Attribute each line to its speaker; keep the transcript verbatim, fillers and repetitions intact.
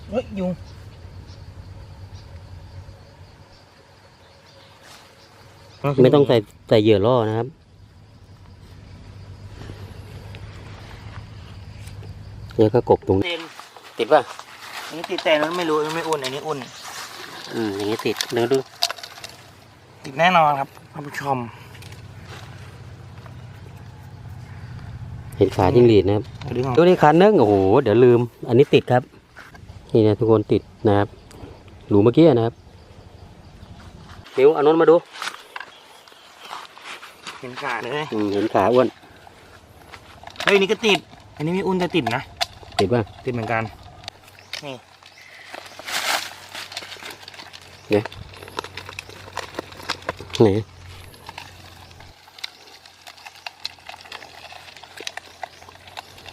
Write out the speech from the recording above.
Speaker 1: เฮ้ยยุง
Speaker 2: ไม่ต้องใส่ใส่เหยื่อล่อนะครับเนี่ยก็กบตรงนี้ติดป่ะ
Speaker 1: อันนี้ติดแต่นั้นไม่รู้ไม่อุ่นอันนี้อุ่น
Speaker 2: อืมอย่างนี้ติดเดี๋ยวดู
Speaker 1: ติดแน่นอนครับท่านผู้ชม
Speaker 2: เห็นขาจิ้งหรีดนะครับ
Speaker 1: ดูของ
Speaker 2: ดูนี่ขาเนื้อโอ้โหเดี๋ยวลืม อันนี้ติดครับนี่นะทุกคนติดนะครับหลูเมื่อกี้นะครับนิ้วเอานนมาดู
Speaker 1: เห็นขาเลย
Speaker 2: อืมเห็นขาอ้วน
Speaker 1: เฮ้ยนี่ก็ติด อันนี้ไม่อุ่นแต่ติดนะ
Speaker 2: ติดป่ะ
Speaker 1: ติดเหมือนกันนี่
Speaker 2: ไหน